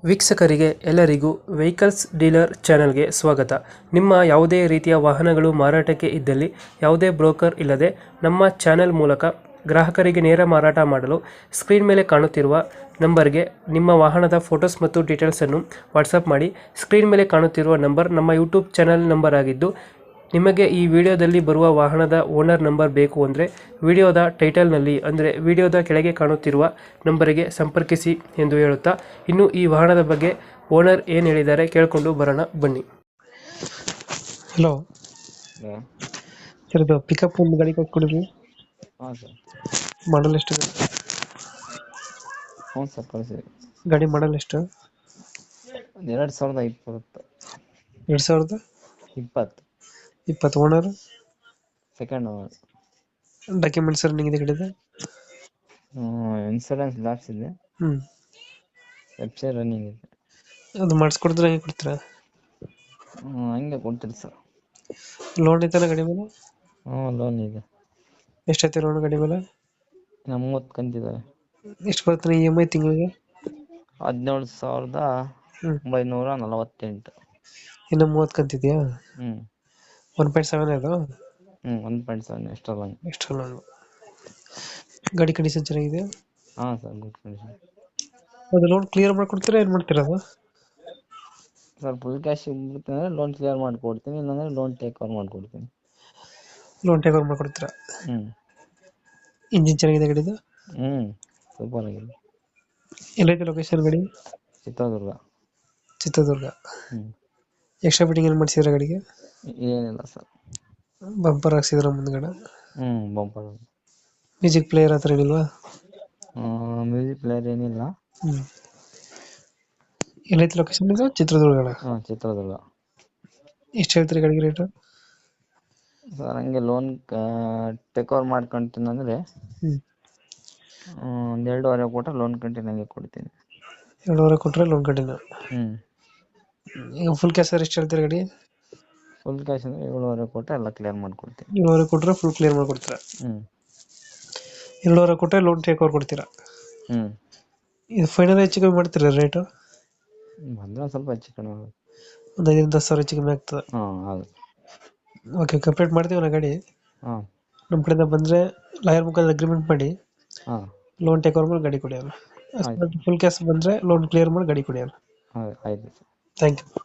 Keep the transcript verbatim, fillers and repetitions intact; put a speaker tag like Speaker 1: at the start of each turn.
Speaker 1: ವೀಕ್ಷಕರಿಗೆ ಎಲ್ಲರಿಗೂ vehicles dealer ಚಾನೆಲ್ಗೆ ಸ್ವಾಗತ. ನಿಮ್ಮ ಯಾವುದೇ ರೀತಿಯ ವಾಹನಗಳು ಮಾರಾಟಕ್ಕೆ ಇದ್ದಲ್ಲಿ ಯಾವುದೇ ಬ್ರೋಕರ್ ಇಲ್ಲದೆ ನಮ್ಮ ಚಾನೆಲ್ ಮೂಲಕ ಗ್ರಾಹಕರಿಗೆ ನೇರ ಮಾರಾಟ ಮಾಡಲು ಸ್ಕ್ರೀನ್ ಮೇಲೆ ಕಾಣುತ್ತಿರುವ ನಂಬರ್ಗೆ ನಿಮ್ಮ ವಾಹನದ ಫೋಟೋಸ್ ಮತ್ತು ಡೀಟೇಲ್ಸನ್ನು ವಾಟ್ಸಪ್ ಮಾಡಿ. ಸ್ಕ್ರೀನ್ ಮೇಲೆ ಕಾಣುತ್ತಿರುವ ನಂಬರ್ ನಮ್ಮ ಯೂಟ್ಯೂಬ್ ಚಾನೆಲ್ ನಂಬರ್ ಆಗಿದ್ದು, ನಿಮಗೆ ಈ ವಿಡಿಯೋದಲ್ಲಿ ಬರುವ ವಾಹನದ ಓನರ್ ನಂಬರ್ ಬೇಕು ಅಂದರೆ ವಿಡಿಯೋದ ಟೈಟಲ್ನಲ್ಲಿ ಅಂದರೆ ವಿಡಿಯೋದ ಕೆಳಗೆ ಕಾಣುತ್ತಿರುವ ನಂಬರಿಗೆ ಸಂಪರ್ಕಿಸಿ ಎಂದು ಹೇಳುತ್ತಾ, ಇನ್ನು ಈ ವಾಹನದ ಬಗ್ಗೆ ಓನರ್ ಏನು ಹೇಳಿದ್ದಾರೆ ಕೇಳಿಕೊಂಡು ಬರೋಣ ಬನ್ನಿ. Hello
Speaker 2: hello.
Speaker 1: ಸರ್, ಇದು ಪಿಕಪ್ ಒಂದು ಗಾಡಿ ಕೊಟ್ಕೊಡಿದ್ವಿ,
Speaker 2: ಹಾಂ ಸರ್.
Speaker 1: ಮಾಡಲ್ ಎಷ್ಟು?
Speaker 2: ಹ್ಞೂ ಸರ್, ಕಳಿಸಿ.
Speaker 1: ಗಾಡಿ ಮಾಡಲ್ ಎಷ್ಟು?
Speaker 2: ಒಂದು ಎರಡು ಸಾವಿರದ ಇಪ್ಪತ್ತು
Speaker 1: ಎರಡು ಸಾವಿರದ
Speaker 2: ಇಪ್ಪತ್ತು
Speaker 1: ಇಪ್ಪತ್ತು owner
Speaker 2: second owner.
Speaker 1: Documents running ಇದೆ ಗಾಡಿದು?
Speaker 2: ಇನ್ಸೂರೆನ್ಸ್ ಲ್ಯಾಪ್ಸ್ ಇದೆ,
Speaker 1: ಹ್ಞೂ
Speaker 2: ವೆಬ್ಸೈಟ್ ರನ್ನಿಂಗ್ ಇದೆ.
Speaker 1: ಅದು ಮಾಡಿಸ್ಕೊಡಿದ್ರೆ ಹಂಗೆ ಕೊಡ್ತೀರಾ?
Speaker 2: ಹ್ಞೂ ಹಂಗೆ ಕೊಡ್ತೀರಿ ಸರ್.
Speaker 1: ಲೋನ್ ಐತನ ಗಾಡಿ ಮೇಲೆ?
Speaker 2: ಹ್ಞೂ ಲೋನ್ ಇದೆ.
Speaker 1: ಎಷ್ಟೈತೆ ಲೋನ್ ಗಾಡಿ ಮೇಲೆ?
Speaker 2: ಇನ್ನು ಮೂವತ್ತು ಕಂತಿದ್ದಾವೆ.
Speaker 1: ಎಷ್ಟು ಬರ್ತಾನೆ ಇ ಎಮ್ ಐ ತಿಂಗಳಿಗೆ?
Speaker 2: ಹದಿನೇಳು ಸಾವಿರದ
Speaker 1: ಹ್ಞೂ
Speaker 2: ಒಂಬೈನೂರ ನಲವತ್ತೆಂಟು.
Speaker 1: ಇನ್ನು ಮೂವತ್ತು ಕಂತಿದೆಯಾ?
Speaker 2: ಹ್ಞೂ
Speaker 1: ಒನ್ ಪಾಯಿಂಟ್ ಸೆವೆನ್ ಅದು?
Speaker 2: ಹ್ಞೂ ಒಂದು point seven extra loan.
Speaker 1: Extra loan. ಗಾಡಿ ಕಂಡೀಷನ್ ಚೆನ್ನಾಗಿದೆ?
Speaker 2: ಹಾಂ ಸರ್, ಗುಡ್ ಕಂಡೀಷನ್.
Speaker 1: ಅದು ಲೋನ್ ಕ್ಲಿಯರ್ ಮಾಡ್ಕೊಡ್ತೀರಾ ಏನು ಮಾಡ್ತೀರಾ ಅದು?
Speaker 2: ಸರ್, ಫುಲ್ ಕ್ಯಾಶ್ ಇರ್ತೀನಿ ಅಂದರೆ ಲೋನ್ ಕ್ಲಿಯರ್ ಮಾಡಿಕೊಡ್ತೀನಿ, ಇಲ್ಲಾಂದರೆ ಲೋನ್ ಟೇಕ್ ಓವರ್ ಮಾಡಿಕೊಡ್ತೀನಿ.
Speaker 1: ಲೋನ್ ಟೇಕ್ ಓವರ್ ಮಾಡ್ಕೊಡ್ತೀರಾ?
Speaker 2: ಹ್ಞೂ
Speaker 1: ಇಂಜಿನ್ ಚೆನ್ನಾಗಿದೆ ಗಾಡಿದು?
Speaker 2: ಹ್ಞೂ ಸೂಪರ್ ಆಗಿದೆ.
Speaker 1: ಎಲ್ಲೈತೆ ಲೊಕೇಶನ್ ಗಾಡಿ?
Speaker 2: ಚಿತ್ರದುರ್ಗ.
Speaker 1: ಚಿತ್ರದುರ್ಗ.
Speaker 2: ಹ್ಞೂ
Speaker 1: ಎಕ್ಸ್ಟ್ರಾ ಫಿಟ್ಟಿಂಗ್ ಏನು ಮಾಡಿಸಿದ್ರೆ ಗಾಡಿಗೆ?
Speaker 2: ಏನಿಲ್ಲ ಸರ್.
Speaker 1: ಬಂಪರ್ ಹಾಕ್ಸಿದ್ರ ಮುಂದ್ಗಡೆ?
Speaker 2: ಹ್ಞೂ ಬಂಪರ್.
Speaker 1: ಮ್ಯೂಸಿಕ್ ಪ್ಲೇಯರ್ ಹತ್ರ ಏನಿಲ್ವಾ?
Speaker 2: ಮ್ಯೂಸಿಕ್ ಪ್ಲೇಯರ್ ಏನಿಲ್ಲ.
Speaker 1: ಹ್ಞೂ ಎಲ್ಲೈತೆ ಲೊಕೇಶನ್ ಇದು? ಚಿತ್ರದುರ್ಗ.
Speaker 2: ಹಾಂ ಚಿತ್ರದುರ್ಗ.
Speaker 1: ಎಷ್ಟು ಹೇಳ್ತೀರಿ ಗಾಡಿಗೆ ರೇಟು?
Speaker 2: ಸರ್, ಹಂಗೆ ಲೋನ್ ಟೇಕ್ ಓವರ್ ಮಾಡ್ಕೊಂತೀನಿ ಅಂದರೆ
Speaker 1: ಹ್ಞೂ
Speaker 2: ಒಂದು ಎರಡೂವರೆ ಕೊಟ್ಟರೆ ಲೋನ್ ಕಂಟಿನ್ಯೂ ಹಂಗೆ ಕೊಡ್ತೀನಿ.
Speaker 1: ಎರಡೂವರೆ ಕೊಟ್ಟರೆ ಲೋನ್ ಕಟ್ಟಿನ?
Speaker 2: ಹ್ಞೂ
Speaker 1: ಈಗ ಫುಲ್ ಕ್ಯಾಶ್ ಎಷ್ಟು ಹೇಳ್ತೀರಿ ಗಾಡಿ?
Speaker 2: ಫುಲ್ ಕ್ಯಾಶ್ ಅಂದರೆ ಏಳುವರೆ ಕೊಟ್ಟರೆ ಎಲ್ಲ ಕ್ಲಿಯರ್ ಮಾಡಿಕೊಡ್ತೀನಿ.
Speaker 1: ಏಳುವರೆ ಕೊಟ್ಟರೆ ಫುಲ್ ಕ್ಲಿಯರ್ ಮಾಡ್ಕೊಡ್ತೀರಾ?
Speaker 2: ಹ್ಞೂ
Speaker 1: ಎರಡೂವರೆ ಕೊಟ್ಟರೆ ಲೋನ್ ಟೇಕ್ ಓವರ್ ಕೊಡ್ತೀರಾ?
Speaker 2: ಹ್ಞೂ
Speaker 1: ಇದು ಫೈನಲ್ ಹೆಚ್ಚು ಕಮ್ಮಿ ಮಾಡ್ತೀರಾ ರೇಟು?
Speaker 2: ಬಂದರೆ ಒಂದು ಸ್ವಲ್ಪ ಹೆಚ್ಚು ಕಡಿಮೆ ಆಗುತ್ತೆ.
Speaker 1: ಒಂದು ಐದರಿಂದ ಹತ್ತು ಸಾವಿರ ಹೆಚ್ಚು ಕಮ್ಮಿ ಆಗ್ತದೆ?
Speaker 2: ಹಾಂ ಆಗುತ್ತೆ.
Speaker 1: ಓಕೆ, ಕಂಪ್ಲೀಟ್ ಮಾಡ್ತೀವಿ ನಾ ಗಾಡಿ.
Speaker 2: ಹಾಂ
Speaker 1: ನಮ್ಮ ಕಡೆಯಿಂದ ಬಂದರೆ ಲಾಯರ್ ಮುಖಾಂತರ ಅಗ್ರಿಮೆಂಟ್ ಮಾಡಿ
Speaker 2: ಹಾಂ
Speaker 1: ಲೋನ್ ಟೇಕ್ ಓವರ್ ಮಾಡಿ ಗಾಡಿ ಕೊಡಿ ಅಲ್ಲ.
Speaker 2: ಆಯ್ತು.
Speaker 1: ಫುಲ್ ಕ್ಯಾಶ್ ಬಂದರೆ ಲೋನ್ ಕ್ಲಿಯರ್ ಮಾಡಿ ಗಾಡಿ ಕೊಡಿ ಅಲ್ಲ.
Speaker 2: ಆಯ್ತು.
Speaker 1: Thank you.